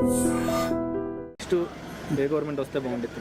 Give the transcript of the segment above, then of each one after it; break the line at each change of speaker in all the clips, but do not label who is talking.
Next ఏ government వస్తే బాగుంటుంది?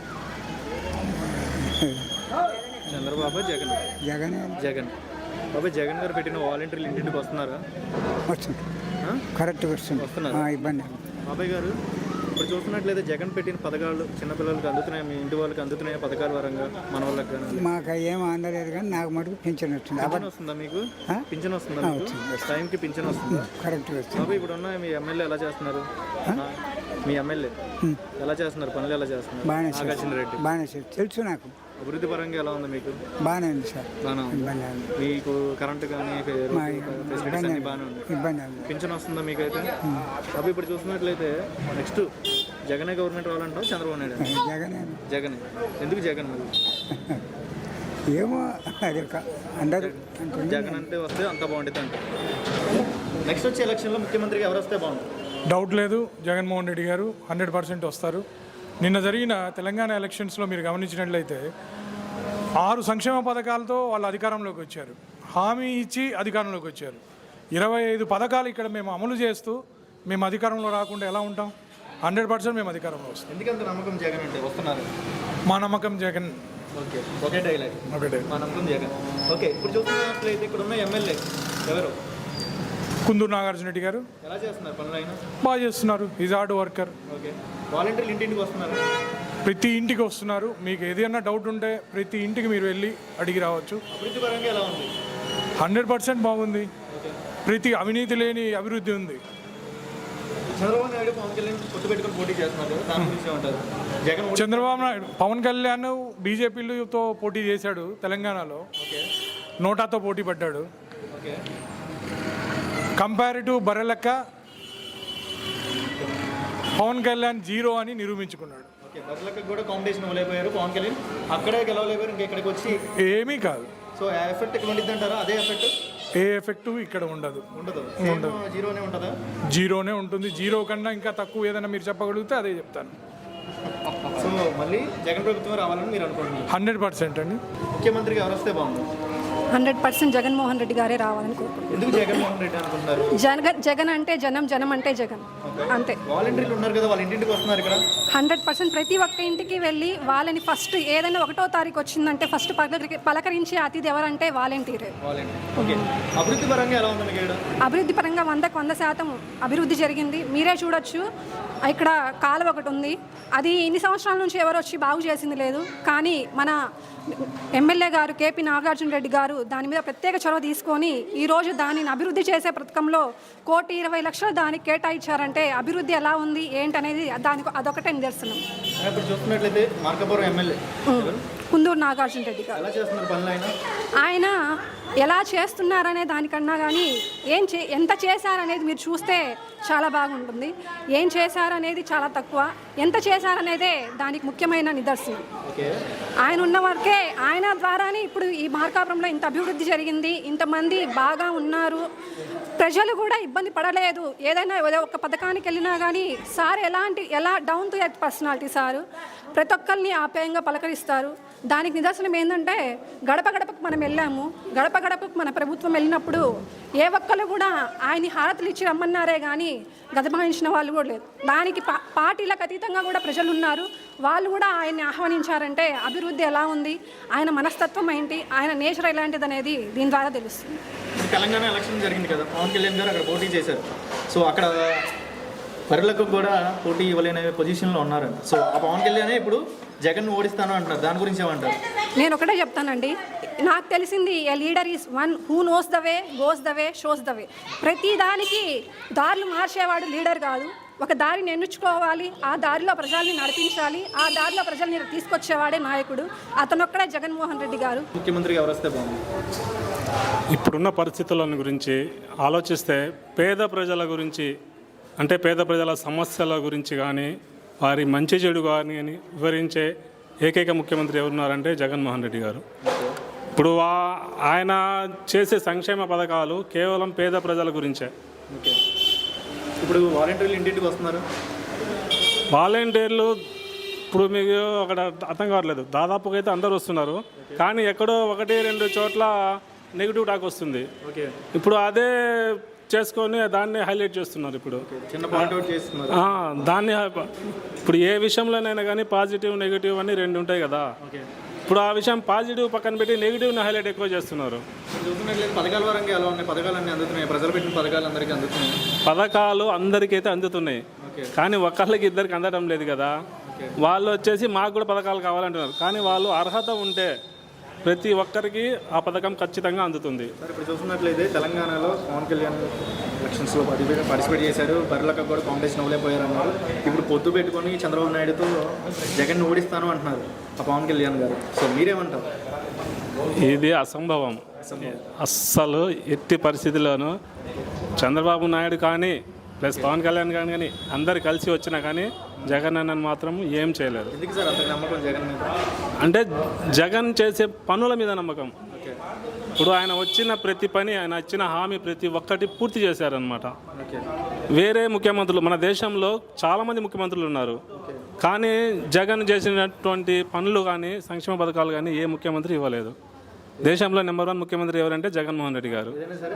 చంద్రబాబు, జగన్? జగన్. బాబాయ్, జగన్ గారు పెట్టిన వాలంటీర్లు ఇంటింటికి వస్తున్నారా?
వస్తుంది, కరెక్ట్గా
వస్తున్నారు.
ఇబ్బంది.
బాబాయ్ గారు, ఇప్పుడు చూస్తున్నట్లయితే జగన్ పెట్టిన పథకాలు చిన్నపిల్లలకి అందుతున్నాయి, మీ ఇంటి వాళ్ళకి అందుతున్నాయి పథకాల పరంగా, మన వాళ్ళకి కానీ?
మాకు ఏం అందలేదు కానీ నాకు మటుకు పింఛన్ వచ్చింది.
పింఛన్ వస్తుందా మీకు? పింఛన్ వస్తుందా మీకు? టైంకి పింఛన్ వస్తుందా?
కరెక్ట్గా వస్తుంది.
బాబాయ్, ఇప్పుడు ఉన్న మీ ఎమ్మెల్యే ఎలా చేస్తున్నారు? మీ ఎమ్మెల్యే ఎలా చేస్తున్నారు? పనులు ఎలా చేస్తున్నారు? నాగార్జున రెడ్డి
బాగానే తెలుసు నాకు.
అభివృద్ధి పరంగా ఎలా ఉంది మీకు?
బాగానే ఉంది సార్.
బాగానే ఉంది. మీకు కరెంటు కానీ ఫెసిలిటీస్ అన్ని బాగానే ఉంది.
ఇబ్బంది.
పింఛన్ వస్తుందా మీకైతే? అవి ఇప్పుడు చూసినట్లయితే నెక్స్ట్ జగనే గవర్నమెంట్ రావాలంటావు, చంద్రబాబు నాయుడు? జగనే. ఎందుకు జగన్ మరి?
ఏమో అది అందరూ
జగన్ అంటే వస్తే అంత బాగుంటుంది అంటే. నెక్స్ట్ వచ్చే ఎలక్షన్లో ముఖ్యమంత్రిగా ఎవరు వస్తే బాగుంటుంది?
డౌట్ లేదు, జగన్మోహన్ రెడ్డి గారు 100% వస్తారు. నిన్న జరిగిన తెలంగాణ ఎలక్షన్స్లో మీరు గమనించినట్లయితే 6 సంక్షేమ పథకాలతో వాళ్ళు అధికారంలోకి వచ్చారు, హామీ ఇచ్చి అధికారంలోకి వచ్చారు. 25 పథకాలు ఇక్కడ మేము అమలు చేస్తూ మేము అధికారంలో రాకుండా ఎలా ఉంటాం? 100% మేము అధికారంలో వస్తాం.
ఎందుకంత నమ్మకం జగన్ అంటే? వస్తున్నారు.
మా నమ్మకం జగన్.
ఓకే, ఒకే డైలాగ్,
ఒకటే,
మా నమ్మకం జగన్. ఓకే, ఇప్పుడు చూస్తున్నట్లయితే ఇక్కడ ఉన్న ఎమ్మెల్యే ఎవరు?
కుందూరు నాగార్జున రెడ్డి గారు.
ఎలా చేస్తున్నారు పనులు? అయినా
బాగా చేస్తున్నారు, ఈజ్ హార్డ్ వర్కర్.
ఓకే, వాలంటీర్లు ఇంటింటికి వస్తున్నారు?
ప్రతి ఇంటికి వస్తున్నారు. మీకు ఏదైనా డౌట్ ఉంటే ప్రతి ఇంటికి మీరు వెళ్ళి అడిగి రావచ్చు.
అభివృద్ధి పరంగా ఎలా ఉంది?
100% బాగుంది. ప్రతి అవినీతి లేని అభివృద్ధి ఉంది.
చంద్రబాబు నాయుడు, పవన్ కళ్యాణ్ పొత్తు పెట్టుకుని పోటీ చేస్తున్నారు, దాని గురించి ఏమంటారు? జగన్
చంద్రబాబు నాయుడు, పవన్ కళ్యాణ్ బీజేపీలతో పోటీ చేశాడు తెలంగాణలో. నోటాతో పోటీ పడ్డాడు. కంపారిటివ్ బర్రెలెక్క పవన్ కళ్యాణ్ 0 అని నిరూపించుకున్నాడు.
బర్రెలెక్క కూడా కాంపిటీషన్ ఇవ్వలేకపోయారు పవన్ కళ్యాణ్, అక్కడే గెలవలేకపోయారు, ఇంకెక్కడికి వచ్చి
ఏమీ కాదు.
సో ఆ ఎఫెక్ట్ ఇక్కడ ఉండిద్ది అంటారా? అదే ఎఫెక్ట్?
ఏ ఎఫెక్ట్ ఇక్కడ ఉండదు.
జీరోనే ఉంటుందా?
జీరోనే ఉంటుంది. 0 కన్నా ఇంకా తక్కువ ఏదైనా మీరు చెప్పగలిగితే అదే చెప్తాను.
సో మళ్ళీ జగన్ ప్రభుత్వం రావాలని మీరు అనుకుంటున్నారు?
100% అండి.
ముఖ్యమంత్రిగా ఎవరు వస్తే బాగుంది?
100% జగన్మోహన్ రెడ్డి గారే రావాలని కోరుకుంటున్నాను.
ఎందుకు జగన్మోహన్ రెడ్డి అనుకుంటున్నారు?
జగన్ అంటే జనం, జనం అంటే జగన్, అంతే.
వాలంటీర్లు ఉన్నారు కదా, వాళ్ళ ఇంటింటికి వస్తున్నారు ఇక్కడ.
100% ప్రతి ఒక్క ఇంటికి వెళ్ళి వాళ్ళని ఫస్ట్ ఏదైనా 1వ తారీఖు వచ్చిందంటే ఫస్ట్ పలకరించే అతిథి ఎవరంటే వాలంటీరే.
అభివృద్ధి పరంగా ఎలా ఉంది?
అభివృద్ధి పరంగా 100కు 100% అభివృద్ధి జరిగింది. మీరే చూడొచ్చు, ఇక్కడ కాలువ ఒకటి ఉంది, అది ఇన్ని సంవత్సరాల నుంచి ఎవరు వచ్చి బాగు చేసింది లేదు. కానీ మన ఎమ్మెల్యే గారు కేపీ నాగార్జున రెడ్డి గారు దాని మీద ప్రత్యేక చొరవ తీసుకొని ఈరోజు దానిని అభివృద్ధి చేసే పథకంలో 1,20,00,000 దానికి కేటాయించారంటే అభివృద్ధి ఎలా ఉంది ఏంటనేది దానికి అదొకటే నిదర్శనం.
చూస్తున్నట్లయితే మార్కాపురం ఎమ్మెల్యే
కుందూరు నాగార్జున రెడ్డి గారు ఆయన ఎలా చేస్తున్నారనే దానికన్నా కానీ ఎంత చేశారనేది మీరు చూస్తే చాలా బాగుంటుంది. ఏం చేశారనేది చాలా తక్కువ, ఎంత చేశారనేదే దానికి ముఖ్యమైన నిదర్శనం. ఆయన ఉన్న వరకే, ఆయన ద్వారానే ఇప్పుడు ఈ మార్కాపురంలో ఇంత అభివృద్ధి జరిగింది, ఇంతమంది బాగా ఉన్నారు, ప్రజలు కూడా ఇబ్బంది పడలేదు. ఏదైనా ఒక పథకానికి వెళ్ళినా కానీ సార్ ఎలా down to earth personality sir, ప్రతి ఒక్కరిని ఆప్యాయంగా పలకరిస్తారు. దానికి నిదర్శనం ఏంటంటే గడప గడపకు మనం వెళ్ళాము, గడప గడపకు మన ప్రభుత్వం వెళ్ళినప్పుడు ఏ ఒక్కరు కూడా ఆయన్ని హారతులు ఇచ్చి రమ్మన్నారే కానీ గదమాయించిన వాళ్ళు కూడా లేదు. దానికి పార్టీలకు అతీతంగా కూడా ప్రజలు ఉన్నారు, వాళ్ళు కూడా ఆయన్ని ఆహ్వానించారంటే అభివృద్ధి ఎలా ఉంది, ఆయన మనస్తత్వం ఏంటి, ఆయన నేచర్ ఎలాంటిది అనేది దీని ద్వారా తెలుస్తుంది.
తెలంగాణ ఎలక్షన్ జరిగింది కదా, పవన్ కళ్యాణ్ గారు అక్కడ పోటీ చేశారు. సో అక్కడ బర్రెలకు కూడా పోటీ ఇవ్వలేని పొజిషన్లో ఉన్నారు. సో ఆ పవన్ కళ్యాణ్ ఇప్పుడు జగన్ ఓడిస్తాను అంటున్నారు, దాని గురించి ఏమంటారు?
నేను ఒకటే చెప్తానండి, నాకు తెలిసింది a leader is one who knows the way, goes the way, shows the way. ప్రతి దానికి దారులు మార్చేవాడు లీడర్ కాదు. ఒక దారిని ఎన్నుకోవాలి, ఆ దారిలో ప్రజల్ని నడిపించాలి, ఆ దారిలో ప్రజల్ని తీసుకొచ్చేవాడే నాయకుడు. అతనొక్కడే జగన్మోహన్ రెడ్డి గారు.
ముఖ్యమంత్రిగా ఎవరు వస్తే బాగుంది?
ఇప్పుడున్న పరిస్థితుల గురించి ఆలోచిస్తే పేద ప్రజల గురించి, అంటే పేద ప్రజల సమస్యల గురించి కానీ వారి మంచి చెడు కానీ వివరించే ఏకైక ముఖ్యమంత్రి ఎవరున్నారంటే జగన్మోహన్ రెడ్డి గారు. ఇప్పుడు ఆయన చేసే సంక్షేమ పథకాలు కేవలం పేద ప్రజల గురించే.
ఇప్పుడు వాలంటీర్లు ఇంటింటికి వస్తున్నారు.
వాలంటీర్లు ఇప్పుడు మీకు అక్కడ అర్థం కావట్లేదు, దాదాపుగా అయితే అందరూ వస్తున్నారు, కానీ ఎక్కడో 1-2 చోట్ల నెగిటివ్ టాక్ వస్తుంది.
ఓకే,
ఇప్పుడు అదే చేసుకొని దాన్ని హైలైట్ చేస్తున్నారు ఇప్పుడు.
చిన్న పాయింట్ అవుట్ చేస్తున్నారు.
దాన్ని ఇప్పుడు ఏ విషయంలోనైనా కానీ పాజిటివ్ నెగిటివ్ అని రెండు ఉంటాయి కదా.
ఓకే,
ఇప్పుడు ఆ విషయం పాజిటివ్ పక్కన పెట్టి నెగిటివ్ని హైలైట్ ఎక్కువ చేస్తున్నారు.
చూస్తున్నట్లయితే పథకాల పరంగా ఎలా ఉన్నాయి? పథకాలు అన్నీ అందుతున్నాయి, ప్రజలు పెట్టిన పథకాలు అందరికీ అందుతున్నాయి.
పథకాలు అందరికైతే అందుతున్నాయి, కానీ ఒకళ్ళకి ఇద్దరికి అందడం లేదు కదా. వాళ్ళు వచ్చేసి మాకు కూడా పథకాలు కావాలంటున్నారు, కానీ వాళ్ళు అర్హత ఉంటే ప్రతి ఒక్కరికి ఆ పథకం ఖచ్చితంగా అందుతుంది.
సార్ ఇప్పుడు చూస్తున్నట్లయితే తెలంగాణలో పవన్ కళ్యాణ్ ఎలక్షన్స్లో పార్టిసిపేట్ చేశారు, బర్రెలకు కూడా కాంపిటీషన్ అవ్వలేకపోయారు అన్నారు. ఇప్పుడు పొత్తు పెట్టుకొని చంద్రబాబు నాయుడుతో జగన్ ఓడిస్తాను అంటున్నారు ఆ పవన్ కళ్యాణ్ గారు. సో మీరేమంటారు?
ఇది అసంభవం. అస్సలు ఎట్టి పరిస్థితుల్లోనూ చంద్రబాబు నాయుడు కానీ ప్లస్ పవన్ కళ్యాణ్ కానీ అందరు కలిసి వచ్చినా కానీ జగన్ అన్నని మాత్రం ఏం చేయలేరు.
ఎందుకు సార్ అంత నమ్మకం జగన్ మీద?
అంటే జగన్ చేసే పనుల మీద నమ్మకం. ఇప్పుడు ఆయన వచ్చిన ప్రతి పని, ఆయన ఇచ్చిన హామీ ప్రతి ఒక్కటి పూర్తి చేశారనమాట. వేరే ముఖ్యమంత్రులు మన దేశంలో చాలామంది ముఖ్యమంత్రులు ఉన్నారు, కానీ జగన్ చేసినటువంటి పనులు కానీ సంక్షేమ పథకాలు కానీ ఏ ముఖ్యమంత్రి ఇవ్వలేదు. దేశంలో నెంబర్ 1 ముఖ్యమంత్రి ఎవరంటే జగన్మోహన్ రెడ్డి గారు.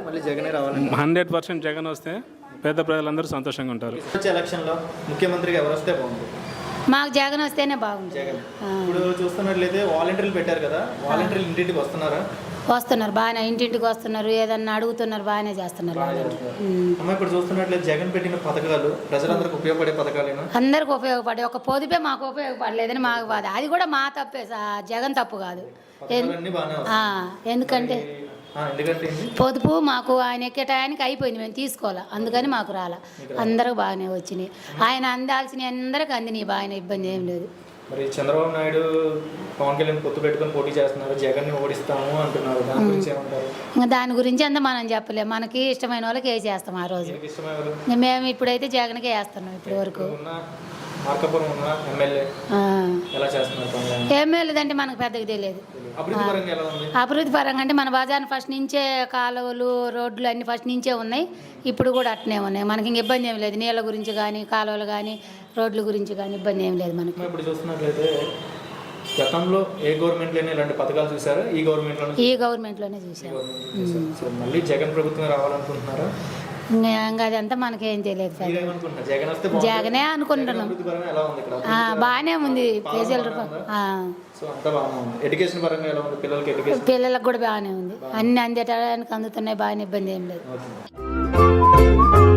100% జగన్ వస్తే పేద ప్రజలందరూ సంతోషంగా ఉంటారు.
వచ్చే ఎలక్షన్లో ముఖ్యమంత్రిగా ఎవరు వస్తే బాగుంది?
మాకు జగన్ వస్తేనే బాగుంది.
జగన్. ఇప్పుడు చూస్తున్నట్లయితే వాలంటీర్లు పెట్టారు కదా, వాలంటీర్లు ఇంటింటికి వస్తున్నారా?
వస్తున్నారు, బాగానే ఇంటింటికి వస్తున్నారు, ఏదన్నా అడుగుతున్నారు, బాగానే చేస్తున్నారు.
అమ్మ ఇప్పుడు చూస్తున్నట్లయితే జగన్ పెట్టిన పథకాలు ప్రజలందరికీ ఉపయోగపడే పథకాలేనా?
అందరికి ఉపయోగపడే ఒక పొదుపే మాకు ఉపయోగపడలేదని మాకు బాధ. అది కూడా మా తప్పే, జగన్ తప్పు కాదు.
పథకాలన్నీ బాగానే వస్తాయి.
ఎందుకంటే
ఎందుకంటే
పొదుపు మాకు ఆయన ఎక్కే టయానికి అయిపోయింది, మేము తీసుకోవాలా, అందుకని మాకు రాలా. అందరికి బాగానే వచ్చినాయి, ఆయన అందాల్సినవి అందరికి అందినాయి, బాగానే ఇబ్బంది ఏం లేదు.
మరి చంద్రబాబు నాయుడు పవన్ కళ్యాణ్ పొత్తు పెట్టుకొని పోటీ చేస్తున్నారు, జగన్ని ఓడిస్తాము అంటున్నారు, దాని గురించి ఏమంటారు?
ఇంకా దాని గురించి అంతా మనం చెప్పలేము, మనకి ఇష్టమైన వాళ్ళకి వేసేస్తాం ఆ రోజు. మేము ఇప్పుడైతే జగన్కే వేస్తున్నాం ఇప్పటి వరకు.
మార్కాపురం ఉన్న ఎమ్మెల్యే ఎలా చేస్తున్నారు?
ఎమ్మెల్యేదంటే మనకు పెద్దగా తెలియదు. అభివృద్ధి పరంగా అంటే మన బజార్ ఫస్ట్ నుంచే కాలువలు రోడ్లు అన్ని ఫస్ట్ నుంచే ఉన్నాయి, ఇప్పుడు కూడా అట్నే ఉన్నాయి. మనకి ఇంక ఇబ్బంది ఏం లేదు, నీళ్ళ గురించి కానీ కాలువలు కానీ రోడ్ల గురించి కానీ ఇబ్బంది ఏం లేదు మనకి.
ఇప్పుడు చూస్తున్నట్లయితే గతంలో ఏ గవర్నమెంట్లోనే ఇలాంటి పథకాలు చూసారా? ఈ
గవర్నమెంట్లోనే చూసారు.
మళ్ళీ జగన్ ప్రభుత్వం రావాలనుకుంటున్నారా?
ఇంకా అదంతా మనకేం తెలియదు. జగనే అనుకుంటున్నాం, బాగానే ఉంది.
పిల్లలకు
కూడా బాగానే ఉంది, అన్ని అందేటానికి అందుతున్నాయి, బాగానే ఇబ్బంది ఏం లేదు.